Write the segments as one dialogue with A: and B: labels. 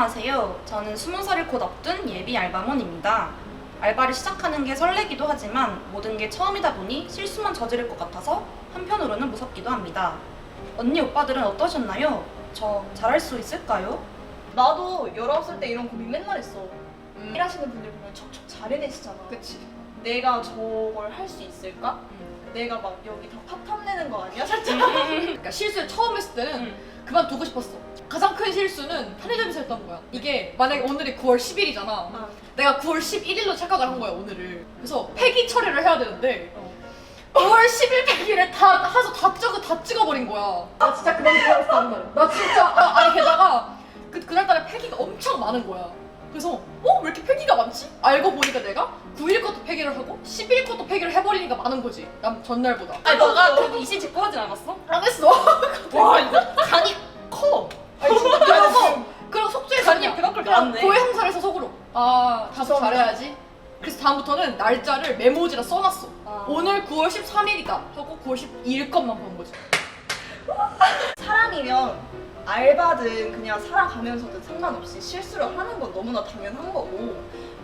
A: 안녕하세요. 저는 20살을 곧 앞둔 예비 알바몬입니다. 알바를 시작하는 게 설레기도 하지만 모든 게 처음이다 보니 실수만 저지를 것 같아서 한편으로는 무섭기도 합니다. 언니 오빠들은 어떠셨나요? 저 잘할 수 있을까요?
B: 나도 19살 때 이런 고민 맨날 했어. 일하시는 분들 보면 척척 잘 해내시잖아.
C: 그치.
B: 내가 저걸 할 수 있을까? 내가 막 여기 다 파탄 내는 거 아니야? 살짝.
C: 그러니까 실수를 처음 했을 때는 그만두고 싶었어. 가장 큰 실수는 편의점에서 했던 거야. 이게 만약에 오늘이 9월 10일이잖아.
B: 아.
C: 내가 9월 11일로 착각을 한 거야, 오늘을. 그래서 폐기 처리를 해야 되는데 9월 10일 폐기를 다 해서 다 찍어버린 거야. 나 진짜 그만 두고 한 날. 나 진짜 아니 게다가 그날따라 폐기가 엄청 많은 거야. 그래서 왜 이렇게 폐기가 많지? 알고 보니까 내가 9일 것도 폐기를 하고 10일 것도 폐기를 해버리니까 많은 거지. 난 전날보다.
A: 아니 너가 그래도 이실 직고 하진 않았어?
C: 안 했어.
A: 와 이거 간이 커!
C: 아니 진짜 그래서 속죄해서
A: 간이 그만큼 나왔네.
C: 고해 형사를 해서 속으로 다소 잘해야지. 그래서 다음부터는 날짜를 메모지라 써놨어. 오늘 9월 13일이다 하고 9월 12일 것만 본 거지.
B: 사람이면 알바든 그냥 살아가면서든 상관없이 실수를 하는 건 너무나 당연한 거고,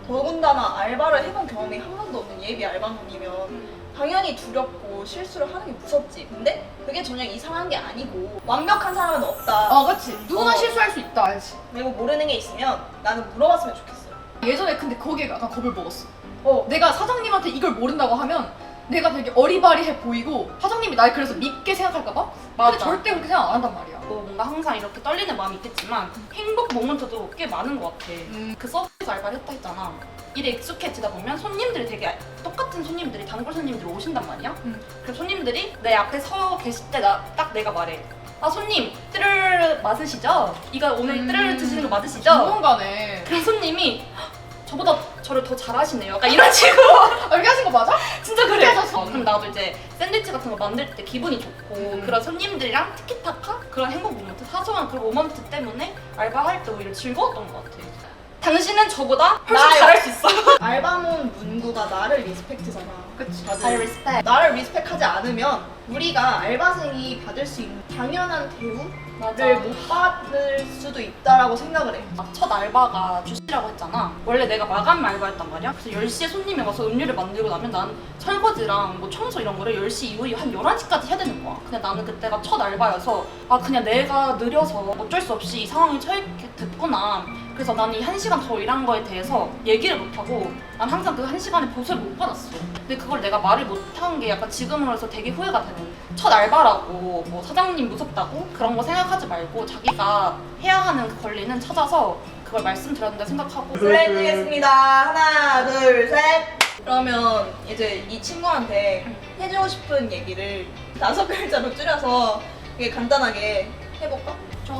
B: 더군다나 알바를 해본 경험이 한 번도 없는 예비 알바놈이면 당연히 두렵고 실수를 하는 게 무섭지. 근데 그게 전혀 이상한 게 아니고 완벽한 사람은 없다.
C: 그치. 누구나 실수할 수 있다, 알지.
B: 그리고 모르는 게 있으면 나는 물어봤으면 좋겠어.
C: 예전에 근데 거기에 약간 겁을 먹었어. 내가 사장님한테 이걸 모른다고 하면 내가 되게 어리바리해 보이고 사장님이 날 그래서 밉게 생각할까봐?
A: 맞아.
C: 근데 절대 그렇게 생각 안 한단 말이야.
A: 뭔가 항상 이렇게 떨리는 마음이 있겠지만 행복 모먼트도 꽤 많은 것 같아. 그 서비스 알바를 했다 했잖아. 일에 익숙해지다 보면 손님들이 되게 똑같은 손님들이 단골 손님들이 오신단 말이야. 그럼 손님들이 내 앞에 서 계실 때 딱 내가 말해. 아 손님 뜨르르 맞으시죠? 이거 오늘 뜨르르 드시는 거 맞으시죠?
C: 전문가네.
A: 그럼 손님이 저보다 저를 더 잘하시네요. 약간 이런 식으로.
C: 이렇게 하신 거 맞아?
A: 진짜 그래.
C: 하셨어.
A: 그럼 나도 이제 샌드위치 같은 거 만들 때 기분이 좋고 그런 손님들이랑 티키타카 그런 행복 모먼트, 사소한 그런 모먼트 때문에 알바할 때 오히려 즐거웠던 것 같아. 당신은 저보다 훨씬
B: 나요.
A: 잘할 수 있어.
B: 알바몬 문구가 나를 리스펙트잖아.
C: 그치.
B: 다들
A: 리스펙.
B: 나를 리스펙하지 않으면 우리가 알바생이 받을 수 있는 당연한 대우를
A: 맞아.
B: 못 받을 수도 있다라고 생각을 해.
A: 첫 알바가 주시라고 했잖아. 원래 내가 마감 알바였단 말이야. 그래서 10시에 손님이 와서 음료를 만들고 나면 난 설거지랑 뭐 청소 이런 거를 10시 이후에 한 11시까지 해야 되는 거야. 근데 나는 그때가 첫 알바여서 그냥 내가 느려서 어쩔 수 없이 이 상황에 처했게 됐구나. 그래서 나는 이 1시간 더 일한 거에 대해서 얘기를 못하고 난 항상 그 1시간에 보수를 못 받았어. 근데 그걸 내가 말을 못한 게 약간 지금으로서 되게 후회가 되는. 첫 알바라고 뭐 사장님 무섭다고 그런 거 생각하지 말고 자기가 해야 하는 그 권리는 찾아서 그걸 말씀드려야 된다 생각하고.
B: 슬래드겠습니다. 하나, 둘, 셋. 그러면 이제 이 친구한테 해주고 싶은 얘기를 5글자로 줄여서 이게 간단하게 해볼까?
A: 좋아.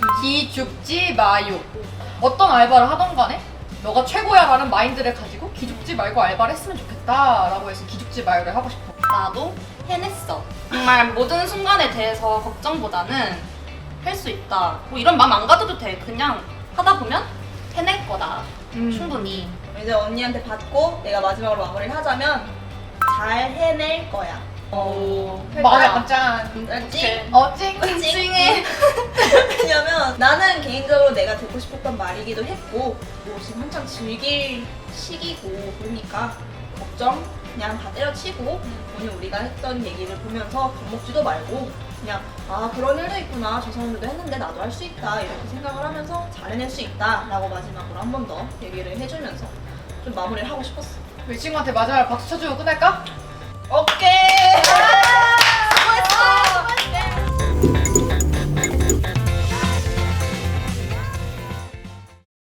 C: 기죽지 마요. 어떤 알바를 하던 간에 너가 최고야라는 마인드를 가지고 기죽지 말고 알바를 했으면 좋겠다라고 해서 기죽지 마요를 하고 싶어.
A: 나도 해냈어. 정말 모든 순간에 대해서 걱정보다는 할 수 있다. 뭐 이런 마음 안 가져도 돼. 그냥 하다 보면 해낼 거다. 충분히.
B: 이제 언니한테 받고 내가 마지막으로 마무리를 하자면 잘 해낼 거야.
C: 마음에 약간 짠.
B: 알지?
C: 찡찡해.
B: 왜냐면 나는 개인적으로 내가 듣고 싶었던 말이기도 했고 뭐 지금 한창 즐길 시기고 그러니까 걱정 그냥 다 때려치고 오늘 우리가 했던 얘기를 보면서 겁먹지도 말고 그냥 그런 일도 있구나, 저 사람들도 했는데 나도 할 수 있다 이렇게 생각을 하면서 잘 해낼 수 있다 라고 마지막으로 한 번 더 얘기를 해주면서 좀 마무리를 하고 싶었어.
C: 이 친구한테 마지막으로 박수 쳐주고 끝낼까?
B: 오케이!